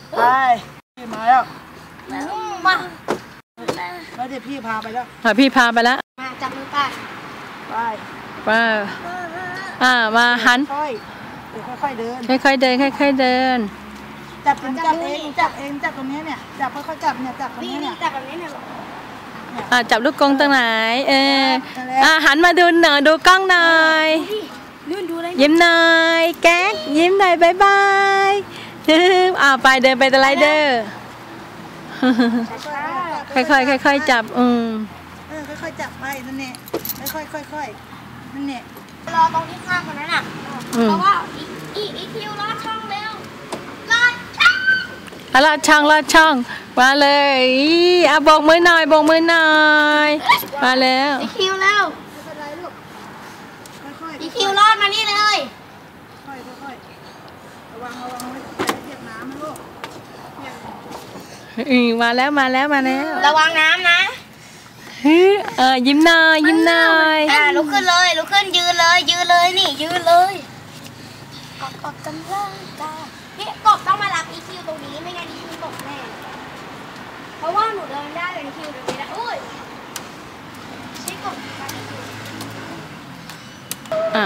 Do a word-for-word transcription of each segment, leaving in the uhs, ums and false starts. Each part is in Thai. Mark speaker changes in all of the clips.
Speaker 1: ไปพี่มาแล้ว
Speaker 2: มา
Speaker 1: แล้วเดี๋ยวพี่พาไปแล้ว
Speaker 3: พี่พาไปแล้ว
Speaker 2: มาจับมือป้า
Speaker 1: ไป
Speaker 3: ไปอ่ามาหัน
Speaker 1: ค่อยค่อยเดิน
Speaker 3: ค่อยๆเดินค่อยๆเดิน
Speaker 1: จับจับเองจับเองจับตรงนี้เนี่ยจับค่อยๆจับเนี่ยจับตรงนี้เนี่ย
Speaker 2: จับแบบนี้เนี่ย
Speaker 3: อ่าจับลูกกรงตรงไหนเอออ่าหันมาดูหน่อยดูกล้องหน่อยยิ้มหน่อยแก๊กยิ้มหน่อยบายบายอ่าไปเดินไปสไลเดอร์ค่อยๆค่อยๆจับอืม
Speaker 1: เออค่อยๆจับไปนั่นแหละค่อยๆค่อยๆนั่นแหละ
Speaker 2: รอตรงที่ข้างคนนั้นอ่ะเพราะว่าอีอีคิวรอดช่องเร็วรอดช่อง
Speaker 3: รอดช่องรอดช่องมาเลยอ่ะโบกมือหน่อยโบกมือหน่อยมาแล้ว
Speaker 2: อีคิวเร็วอีคิวรอดมานี่เลย
Speaker 1: ค่อยๆระวังระวังไม่เปียกน้ำนะลูก
Speaker 3: อือมาแล้วมาแล้วมาแล้ว
Speaker 2: ระวังน้ำนะ
Speaker 3: เออยิ้มหน่อยยิ้มหน่อย
Speaker 2: อ่าลุกขึ้นเลยลุกขึ้นยืนเลยยืนเลยนี่ยืนเลยกบกบกำลังกายนี่กบต้องมารับอีคิวตรงนี้ไม่งั้นอีคิวตกแน่เพราะว่าหนูเดินได้แต่อีคิวเดินไม่ได้อุ้ยนี่กบ
Speaker 3: อ่า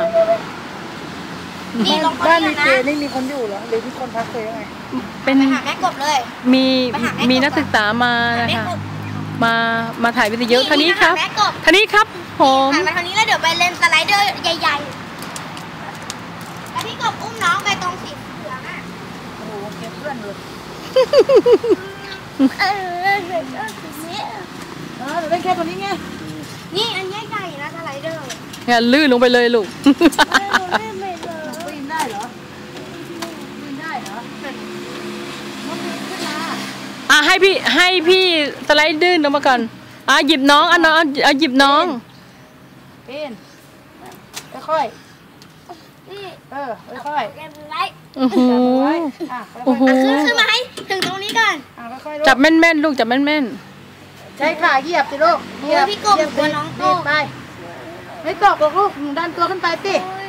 Speaker 1: บ้านมีเจนี่มีคนอยู่เหรอหรือมีคนพักเลยยังไง
Speaker 3: เป็น
Speaker 2: ไปหาแม่กบเลย
Speaker 3: มีมีนักศึกษามานะคะมามาถ่ายวิดีโอท่านี้ครับท่านี้ครับผม
Speaker 2: ถ่ายมาทางนี้แล้วเดี๋ยวไปเล่นสไลเดอร์ใหญ่ๆแล้วพี่กบอุ้มน้องไปตรงสีเหลืองอ่ะ
Speaker 1: โอ้โหเก็บเพื่อนเลย
Speaker 2: เออเด็กก็สีนี้
Speaker 1: เออเดี๋ยวเล่นแค่ตัวนี้ไง
Speaker 2: นี่อันใหญ่ๆนะสไลเดอร์
Speaker 3: งั้นลื่นลงไปเลยลูก
Speaker 1: ปีนได้เหรอปีนได้เหรอมันปีนขึ้นมา
Speaker 3: อ่ะให้พี่ให้พี่สไลด์ดื้นลงมาก่อนอ่ะหยิบน้องอ่ะน้องอ่ะหยิบน้อง
Speaker 1: ปีนค่อยเออค่อย
Speaker 3: โอ้โหโอ้โห
Speaker 2: ขึ้นมาให้ถึงตรงนี้ก่อน
Speaker 3: จับแม่นๆลูกจับแม่น
Speaker 1: ๆใช้ขาเหยียบสิลูก
Speaker 2: เหยียบพี่กบกลัวน้องตก
Speaker 1: ไปไม่ตกหรอกลูกดันตัวขึ้นไปสิ